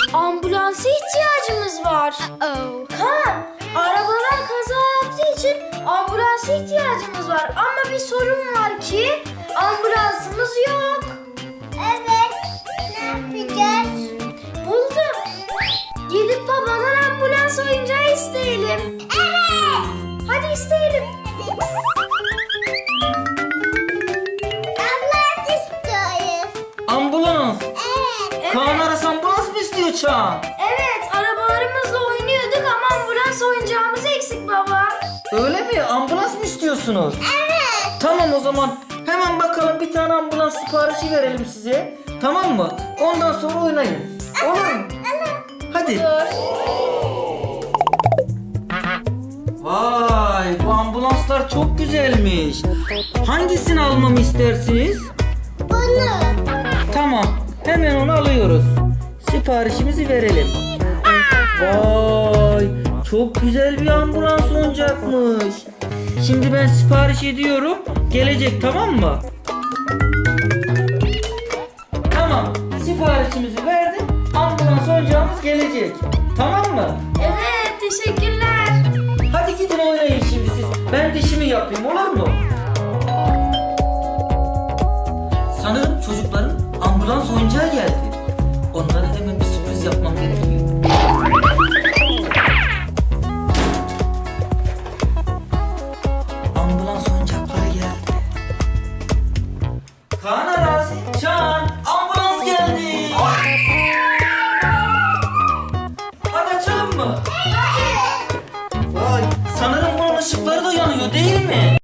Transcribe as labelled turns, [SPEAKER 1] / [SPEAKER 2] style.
[SPEAKER 1] Ambulansa ihtiyacımız var. Kaan, arabalar kaza yaptığı için ambulansa ihtiyacımız var. Ama bir sorun var ki ambulansımız yok.
[SPEAKER 2] Evet. Ne yapacağız?
[SPEAKER 1] Buldum. Gidip babadan ambulans oyuncağı isteyelim.
[SPEAKER 2] Evet.
[SPEAKER 1] Hadi isteyelim.
[SPEAKER 2] Ambulans istiyoruz.
[SPEAKER 3] Ambulans.
[SPEAKER 2] Evet.
[SPEAKER 3] Kaan Aras ambulans mı istiyor Çağan?
[SPEAKER 1] Evet, arabalarımızla oynuyorduk ama ambulans oyuncağımız eksik baba.
[SPEAKER 3] Öyle mi? Ambulans mı istiyorsunuz?
[SPEAKER 2] Evet.
[SPEAKER 3] Tamam o zaman hemen bakalım bir tane ambulans siparişi verelim size. Tamam mı? Ondan sonra oynayın. Olur mu? Hadi. Vay, bu ambulanslar çok güzelmiş. Hangisini almamı istersiniz?
[SPEAKER 2] Bunu.
[SPEAKER 3] Tamam, hemen onu alıyoruz. Siparişimizi verelim. Vay, çok güzel bir ambulans oyuncakmış. Şimdi ben sipariş ediyorum. Gelecek, tamam mı? Tamam, siparişimizi verdim. Ambulans oyuncağımız gelecek. Tamam mı?
[SPEAKER 1] Evet, teşekkürler.
[SPEAKER 3] Hadi gidin oynayın şimdi siz. Ben dişimi yapayım, olur mu? Sanırım çocukların ambulans oyuncağı geldi. Onlara hemen bir sürpriz yapmam gerekiyor. Ambulans oyuncakları geldi. Kaan Aras, Çağan, ambulans geldi. Hadi açalım mı? Vay, sanırım bunun ışıkları da yanıyor değil mi?